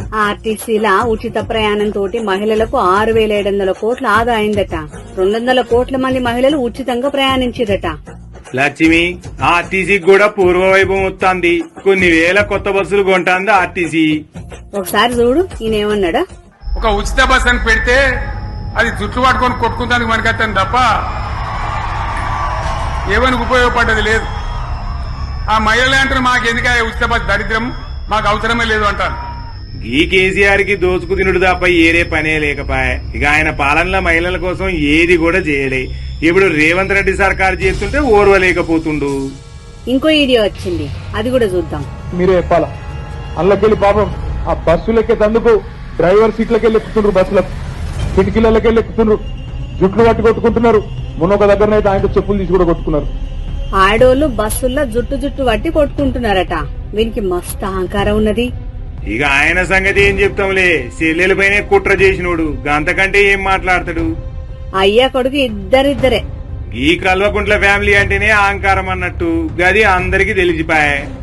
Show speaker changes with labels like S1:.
S1: ఆర్టీసీలా ఉచిత ప్రయాణం తోటి మహిళలకు 6,700 కోట్ల ఆదా అయిందట. 200 కోట్ల మంది మహిళలు ఉచితంగా ప్రయాణించిరట.
S2: లక్ష్మి, ఆర్టీసీకి కూడా పూర్వ వైభవం వస్తుంది. కొన్ని వేల కొత్త బస్సులు కొంటాంది ఆర్టీసీ.
S1: ఒకసారి చూడు ఈయనేమన్నాడా.
S3: ఒక ఉచిత బస్ అని పెడితే అది జుట్లు పట్టుకొని కొట్టుకుంటానికి మనకత్తాను తప్ప ఏమనికి ఉపయోగపడ్డది లేదు. ఆ మహిళలే అంటారు మాకెందుక ఉచిత బస్ దరిద్రం, మాకు అవసరమే లేదు అంటారు.
S2: ఈ కేసీఆర్ కి దోచుకు తినుడు తప్ప ఏరే పనే లేకపాయే. ఇక ఆయన పాలనలో మహిళల కోసం ఏది కూడా చేయలే. ఇప్పుడు రేవంత్ రెడ్డి సర్కారు చేస్తుంటే ఓర్వలేకపోతుండు.
S1: ఇంకో వీడియో వచ్చింది, అది కూడా చూద్దాం.
S4: మీరే చెప్పాలా. అందులోకెళ్ళి పాపం ఆ బస్సులెక్కేందుకు డ్రైవర్ సీట్లకెళ్ళి ఎక్కుతుండ్రు, బస్సులకు కిటికీలకెళ్ళి ఎక్కుతుండ్రు, జుట్లు పట్టి కొట్టుకుంటున్నారు. మొన్న ఒక దగ్గరనైతే ఆయనతో చెప్పులు తీసి కూడా కొట్టుకున్నారు.
S1: ఆడోళ్లు బస్సుల్లో జుట్టు పట్టి కొట్టుకుంటున్నారట. వీనికి మస్తు అహంకారం ఉన్నది.
S2: ఇక ఆయన సంగతి ఏం చెప్తాంలే, చెల్లెలపైనే కుట్ర చేసినోడు, గంతకంటే ఏం మాట్లాడతాడు.
S1: అయ్యా కొడుకు ఇద్దరిద్దరే.
S2: ఈ కల్వకుంట్ల ఫ్యామిలీ అంటేనే అహంకారం అన్నట్టు, గది అందరికీ తెలిసిపాయే.